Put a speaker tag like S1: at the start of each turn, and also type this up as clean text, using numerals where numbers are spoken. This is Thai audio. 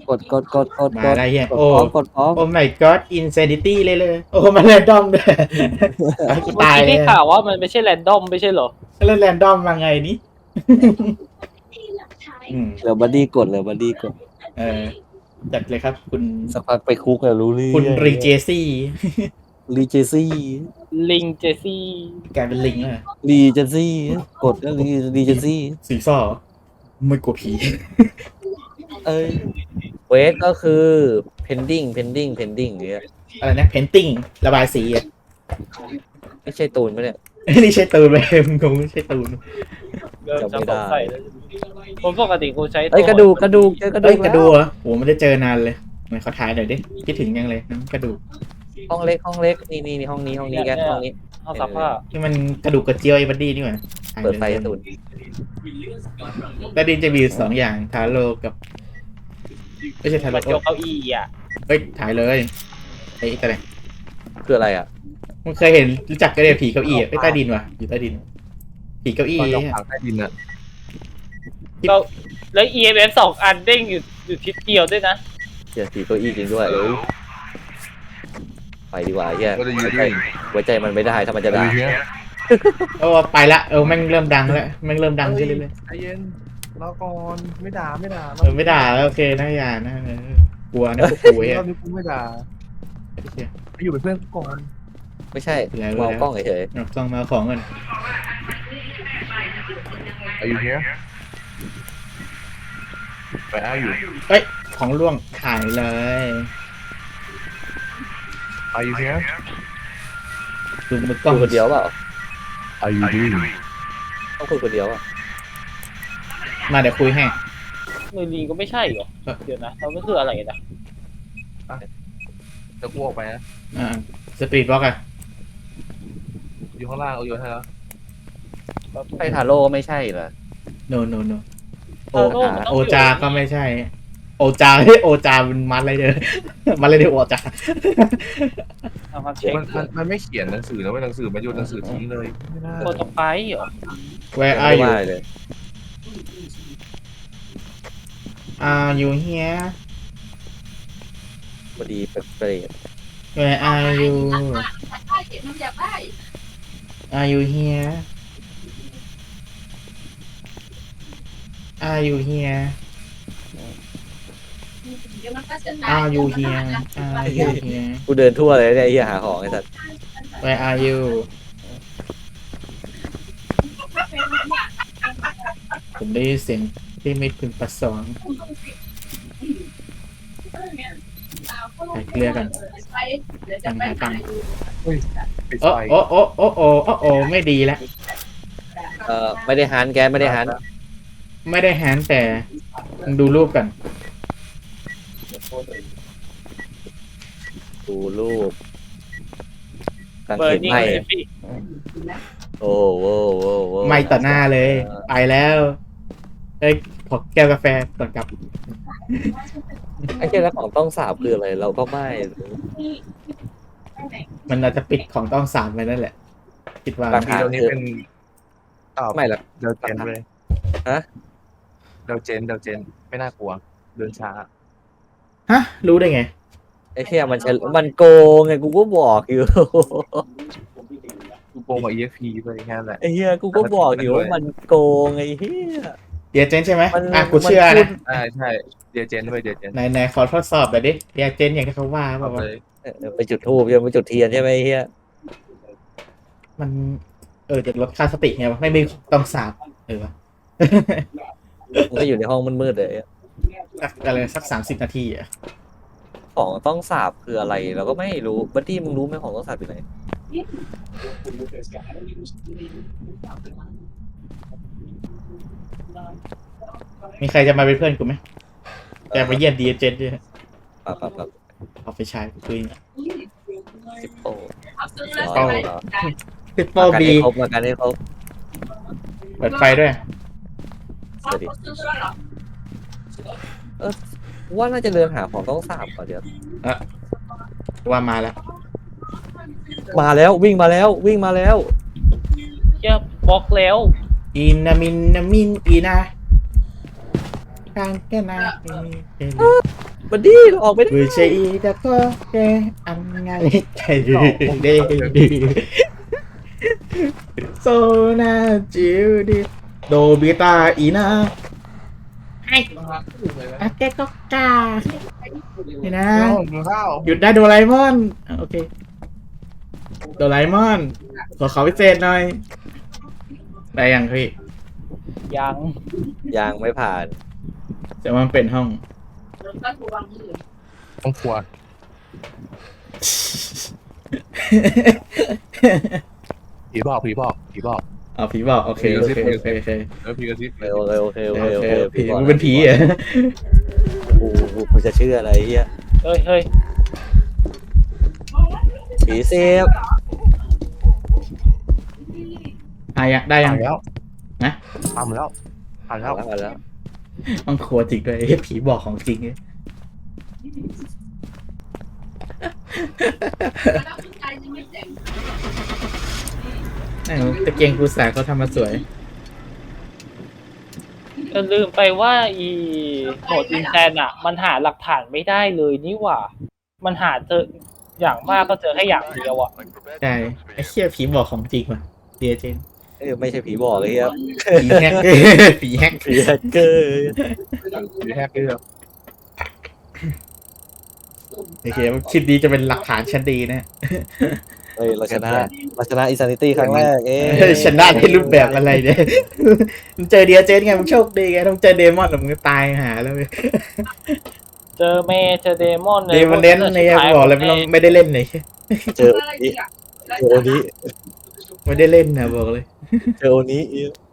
S1: มาอะไรเงี้ยโอ้
S2: กดพร้อม
S1: โอ้ my god insanity เลยโอ้มันแรนดอมด้วยกู
S3: เมื่อ
S1: ตาย
S3: กี้
S1: เล
S3: ได้
S1: ย
S3: ข่าวว่ามันไม่ใช่แรนดอมไม่ใช่เหรอ
S1: เล่นแรนดอมมาไงนี่
S2: เหลือบัดดี้กด
S1: เออจัดเลยครับคุณ
S2: สักพักไปคุกแล้วรู้เรื่อง
S1: คุณรีเจซี่
S2: รีเจซี่
S3: ลิงเจซี่
S1: กลายเป็นลิงเลย
S2: รีเจซี่กดก็รีเจซี่
S1: สีซ้อไม่กลัวผี
S2: เอ้ยเวทก็คือ pending อย่างเงี้ย
S1: อะไรนะ painting ระบายสีอ่ะ
S2: ไม่ใช่ตูนไหมเนี่ย
S1: นี่ใช่ตูนไหมมึงคงไม่ใช่ตูน
S3: เริ่ม
S2: จำไม่
S3: จะ
S2: ได้
S3: สงสัยแล้วผมปกติกูใช้
S2: เอ้ยกระดูกเจอกระดู
S1: เอ้ย
S2: ก
S1: กระดูกเหรอโหไม่ได้เจอนานเลยไหนขอถ่ายหน่อยดิคิดถึงยังเลยน้ำกระดูก
S2: ห้องเล็กนี่ห้องนี้แกห้องนี้
S3: เอาสักผ้า
S1: ที่มันกระดูกกระเจียวไอ้บัดดี้นี่หว่าถ่าย
S2: เปิดไฟ
S1: ลย
S2: ตูน
S1: บัดดี้จะมีอยู่สองอย่างทาโร่กับไม่ใช่ทา
S3: มา
S1: โร่
S3: เกี่ยวเก้าอี้อ่ะ
S1: เฮ้ยถ่ายเลยไอ้อะไร
S2: คืออะไรอ่ะ
S1: มึงเคยเห็นรู้จักกันเลยผีเก้าอี้อะใต้ดินวะอยู่ใต้ดินผีเก้าอี้
S4: ตอนเรา
S1: เนี่ย
S4: ฝังใต้ดินอะ
S3: ก็แล้ว EMF 2 อันเด้งอยู่ทิศเดียวด้วยนะ
S2: เดี๋ยวสีเก้าอี้จริงด้วยไปดีกว่าเฮีย
S4: ก็จะยืน
S2: ไว้ใจมันไม่ได้ถ้ามันจะ
S4: ดู
S2: ด่า
S4: เฮีย
S1: โอ้ไปละแม่งเริ่มดังแล้วแม่งเริ่มดังขึ้นเรื่อย
S4: ใจเย็นรอก่อนไม่ด่า
S1: ๆไม่ด่าแล้วโอเคนะอย่านะกลัวนะพวกกู
S4: ร
S1: เฮ้ย
S4: อบนี้กูไม่ด่าไปอยู่เป็นเพื่อนกูก่อน
S2: ไม่ใช่มองกล้องเฉย
S1: ต้องมาของกัน
S4: อายุเฮียไปอ้าอยู่
S1: เอ้ยของล่วงถ่ายเลย
S4: อายุเฮีย
S1: ดูมือ
S2: ๆ
S1: กล้อง
S2: คุยคนเดียวเปล่า
S4: อายุดี
S2: ต้องคุยคนเดียวอ่ะ
S1: มาเดี๋ยวคุยให้
S3: มือลีก็ไม่ใช่เหรอ เดี๋ยวนะเราก็คืออะไรนะ
S4: จะกูออกไปนะ
S1: สปีดบล็อกอะ
S4: อยู่ข้างล่างเอาอยู่ให้แล้ว
S2: ไอ้ทาโร่ก็ไม่ใช่เหรอ
S1: โนโอ
S3: โอ้มันต้ง
S1: โอ
S3: อยู่
S1: จาก็ไม่ใช่ โอจาโอจาเป็นมัดอะไรเด้อมัดอะไรเด้อโอจา
S3: เอามาเช็ค
S4: มันไม่เขียนหนังสือนะไม่หนังสือมันโยนหนังสือทิ้งเลยไม่ได้
S3: โปรโตไฟล์เหรอ
S1: Where
S2: ไม่
S1: are you
S2: ได้เลย
S1: Are you here
S2: พอดีเปรต
S1: Where are you Are you here Are you here Are you here Are you here
S2: กูเดินทั่วเลยเนี่ยไอ้เหี้ยหาของไอ้สัส
S1: Where are you ผมได้ยินเสียงที่ไม่พึงประสงค์ใส่เกลือกันตังหาตังค์
S4: ปิด
S1: โอ้
S4: ไฟ
S1: โอ้ไม่ดีแล้ว
S2: ไม่ได้หันแกไม่ได้หัน
S1: ไม่ได้แฮนด์แต่มึงดูรูปกัน
S2: ดูรูปกาง
S3: เบอ
S2: เข
S3: ร์
S2: น
S3: นิ่ง
S2: ไหม
S3: เลยพี่
S2: โอ้โห
S1: ไม่ต่อหน้าเลย ไปแล้วเอ้ยขอแก้วกาแฟก่อนกลับ
S2: ไอ้เจ้าแล้วของต้องสาบคืออะไรเราก็ไม่
S1: มันอาจจะปิดของต้องสามไปนั่นแหละ คิดว่า
S2: หลัก
S4: ที
S2: ฐาน
S4: ตรงนี้เป็น
S2: ไม่หรอก
S4: เดลเจนเลย
S2: ฮะ
S4: เดลเจนไม่น่ากลัวเดินช้า
S1: ฮะ รู้ได้ไง
S2: ไอ้เชี่ยมันโกงไงกูก็บอกอยู่
S4: กูโกงกับ EXP ไปแค่นั้นแหละ
S2: ไอ้เหี้ยกูก็บอกอยู่ว่ามันโกงไอ้เหี้ย
S1: เดียเจนใช่ไหม
S2: มัน
S1: กูเชื่อ
S2: มันพู
S1: นะ
S2: ด
S4: ใช่เดลเจนด้วยเดลเจน
S1: ไหนขอทดสอบหน่อยดิเดียเจนอย่างที่เขาว่าเป
S4: เอา
S1: ล่าวะ
S4: เลย
S2: ไปจุดธูปยังไปจุดเทียนใช่ไหมไอ้เหี้ย
S1: มันจะลดค่าสติไงวะไม่มีต้องสาบวะ
S2: มันก็อยู่ในห้องมืดๆเลย
S1: อะไรสัก30 นาทีอ่ะ
S2: ของต้องสาบคืออะไรเราก็ไม่รู้บัดดี้มึงรู้ไหมของต้องสาบอยู่ไหน
S1: มีใครจะมาเป็นเพื่อนกูไหมจะมาเยี่ยมดีเจนด้วย
S2: ปั๊บ
S1: เอาไปใช้คุย
S2: สิบโป้
S1: เป้า ติดโป
S2: มากัน
S1: บี
S2: ให้ครบมากันให้ครบ
S1: เปิดไฟด้วย
S2: สวัสดีว่าน่าจะเดินหาของต้องสาบก่อนเดี๋ยว
S1: ว่ามาแล้ว
S2: มาแล้ววิ่งมาแล้ว
S3: เชี่ยบล็อกแล้ว
S1: อินามินนามินอีนาทางแค่นา
S2: มันดีเราออกไม่ได้
S1: ผู้ชายแต่ก็แค่อันไงใจดีโซนาจิวดิโดบิตาอีนาไอ้อาเกก็กานี่นะ
S4: ข้าว
S1: หยุดได้โดราเอมอนโอเคโดราเอมอนขอพิเศษหน่อยได้ยังพี่
S3: ยัง
S2: ยังไม่ผ่าน
S1: แต่ว่ามันเป็นห้อง
S4: ต้องครัวผีบอกผีบอกผีบอก
S1: เอาผีบอกโอเคโอเคโอเคโอเค
S4: แล้วผีกระซิบ
S2: โอเค
S1: โอเคผีมึงเป็นผีเหรอ
S2: กูจะเชื่ออะไรเฮีย
S3: เฮ้ยเฮ้ย
S2: ผีเซฟ
S1: ได้ยั
S4: ผ่าง นแล้ว
S1: นะ
S4: ทำแล้วผ่านแล้ว
S2: มาแล้ว
S1: ต้องครัวจริงด้วยผีบอกของจริงเนี่ยตะเกียงกูสาเขาทำมาสวย
S3: ก็ลืมไปว่าอีโหมดอินแซนอ่ะ มันหาหลักฐานไม่ได้เลยนี่หว่า มันหาเจออย่างมากก็เจอแค่อย่างเดียวอ่ะ
S1: ใช่ไอ้เชี่ยผีบอกของจริงว่ะเดียเจน
S2: ไม่ใช่ผีบอกเลยเฮีย
S1: ผีแฮกผีแฮก
S2: ผีแฮกเกอร์
S4: ผีแฮกเกอร์
S1: โอเคคลิปนี้จะเป็นหลักฐานชั้นดีนะ
S2: เฮ้ยเราชนะอินซานิตี้ครั้งแรก
S1: ชนะในรูปแบบอะไรเนี่ยมึงเจอเดียเจนไงมึงโชคดีไงต้องเจอเดมอนหรือมึงก็ตายหาแล้วเว้ย
S3: เจอเมย์เจอเดมอน
S1: เดมอนเน้นเนี่ยบอกเลยไม่ได้เล่นเลย
S2: เจอโอนี้
S1: ไม่ได้เล่นนะบอกเลย
S2: เจอโอนี้